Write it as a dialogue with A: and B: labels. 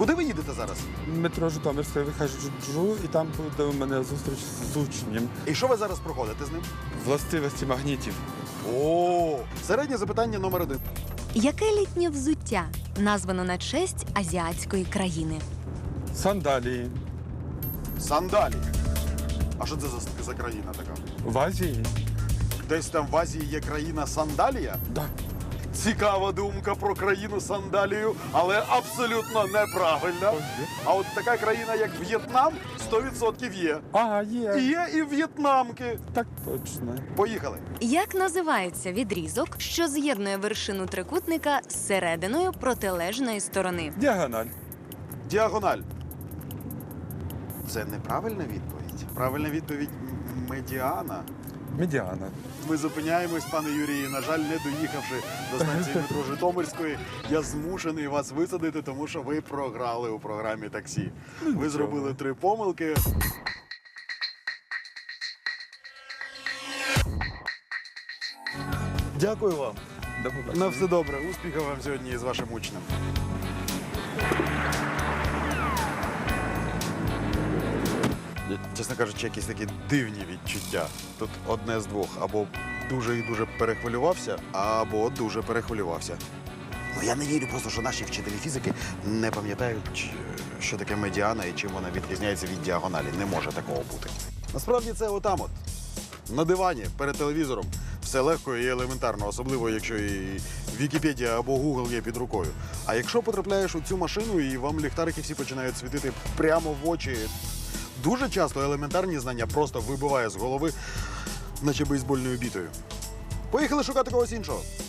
A: Куди ви їдете зараз?
B: Метро Житомирське, виходжу і там буде у мене зустріч з учнем.
A: І що ви зараз проходите з ним?
B: Властивості магнітів.
A: О, середнє запитання номер 1.
C: Яке літнє взуття названо на честь азіатської країни?
B: Сандалії.
A: Сандалії. А що це за країна така?
B: В Азії?
A: Десь там в Азії є країна Сандалія?
B: Да.
A: Цікава думка про країну Сандалію, але абсолютно неправильна. А от така країна, як В'єтнам, 100% є.
B: А, є.
A: Є і в'єтнамки.
B: Так точно.
A: Поїхали.
C: Як називається відрізок, що з'єднує вершину трикутника з серединою протилежної сторони?
B: Діагональ.
A: Діагональ. Це неправильна відповідь. Правильна відповідь – медіана.
B: Медіана.
A: Ми зупиняємось, пане Юрію. На жаль, не доїхавши до станції метро Житомирської, я змушений вас висадити, тому що ви програли у програмі таксі. Ви зробили 3 помилки. Дякую вам.
B: До побачення.
A: На все добре. Успіхів вам сьогодні з вашим учнем. Чесно кажучи, якісь такі дивні відчуття. Тут одне з двох. Або дуже і дуже перехвилювався, або дуже перехвилювався. Ну, я не вірю просто, що наші вчителі фізики не пам'ятають, що таке медіана і чим вона відрізняється від діагоналі. Не може такого бути. Насправді це отам от, на дивані, перед телевізором. Все легко і елементарно, особливо, якщо і Вікіпедія або Гугл є під рукою. А якщо потрапляєш у цю машину і вам ліхтарики всі починають світити прямо в очі, дуже часто елементарні знання просто вибиває з голови, наче бейсбольною бітою. Поїхали шукати когось іншого.